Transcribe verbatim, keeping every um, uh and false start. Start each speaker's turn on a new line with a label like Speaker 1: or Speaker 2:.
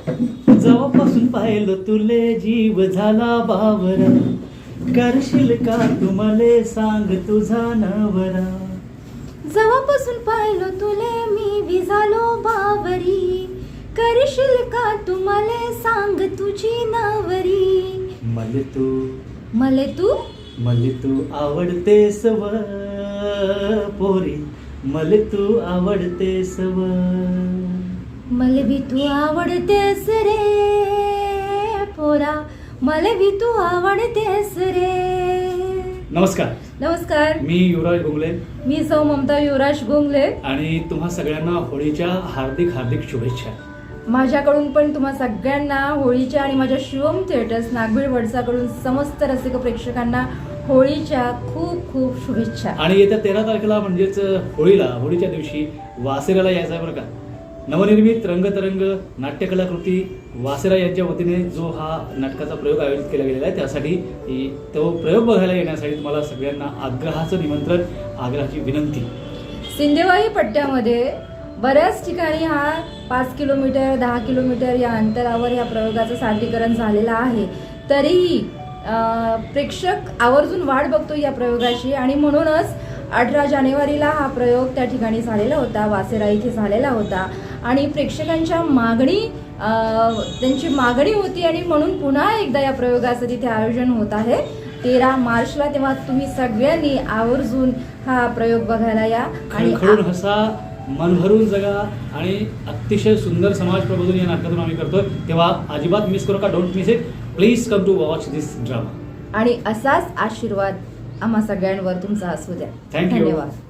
Speaker 1: जेव्हापासून पाहिलं तुले जीव झाला बावरा, करशील का तू मले सांग तुझा नवरा.
Speaker 2: जेव्हापासून पाहिलं तुले मी विझालो बावरी, करशील का तू मले सांग तुझी नवरी.
Speaker 1: मले तू
Speaker 2: मले तू
Speaker 1: मले तू आवडतेस व पोरी, मले तू आवडतेस व.
Speaker 2: मले भी तू आवडतेस रे पोरा, मले भी तू आवडतेस रे.
Speaker 1: नमस्कार,
Speaker 2: नमस्कार.
Speaker 1: मी युवराज गोंगले
Speaker 2: मी सौ ममता युवराज गोंगले
Speaker 1: आणि तुम्हा सगळ्यांना होळीच्या हार्दिक हार्दिक शुभेच्छा.
Speaker 2: माझ्याकडून पण तुम्हा सगळ्यांना होळीच्या आणि माझ्या शिवम थिएटर्स नागभीड वडसाकडून समस्त रसिक प्रेक्षकांना होळीच्या खूप खूप शुभेच्छा.
Speaker 1: आणि येत्या तेरा तारखेला म्हणजेच होळीला, होळीच्या दिवशी वासेराला यायचं आहे बरं का. नवनिर्मित रंगतरंग नाट्यकलाकृती वासेरा यांच्या वतीने जो हा नाटकाचा प्रयोग आयोजित केला गेलेला आहे, त्यासाठी तो प्रयोग बघायला येण्यासाठी तुम्हाला सगळ्यांना आग्रहाचं निमंत्रण, आग्रहाची विनंती.
Speaker 2: सिंदेवाही पट्ट्यामध्ये बऱ्याच ठिकाणी हा पाच किलोमीटर दहा किलोमीटर या अंतरावर या प्रयोगाचं सादरीकरण झालेलं आहे. तरीही प्रेक्षक आवर्जून वाट बघतो या प्रयोगाची आणि म्हणूनच अठरा जानेवारीला हा प्रयोग त्या ठिकाणी झालेला होता, वासेरा इथे झालेला होता आणि प्रेक्षकांच्या मागणी त्यांची मागणी होती आणि म्हणून पुन्हा एकदा या प्रयोगाचं तिथे आयोजन होत आहे तेरा मार्चला. तेव्हा तुम्ही सगळ्यांनी आवर्जून हा प्रयोग बघायला या आणि
Speaker 1: खळखळून हसा, मन भरून जगा आणि अतिशय सुंदर समाज प्रबोधन या नाटकातून आम्ही करतोय. तेव्हा अजिबात मिस करू का, don't miss it. Please come to watch this drama.
Speaker 2: आणि असाच आशीर्वाद आम्हा सगळ्यांवर तुमचा असू द्या.
Speaker 1: Thank you.
Speaker 2: धन्यवाद.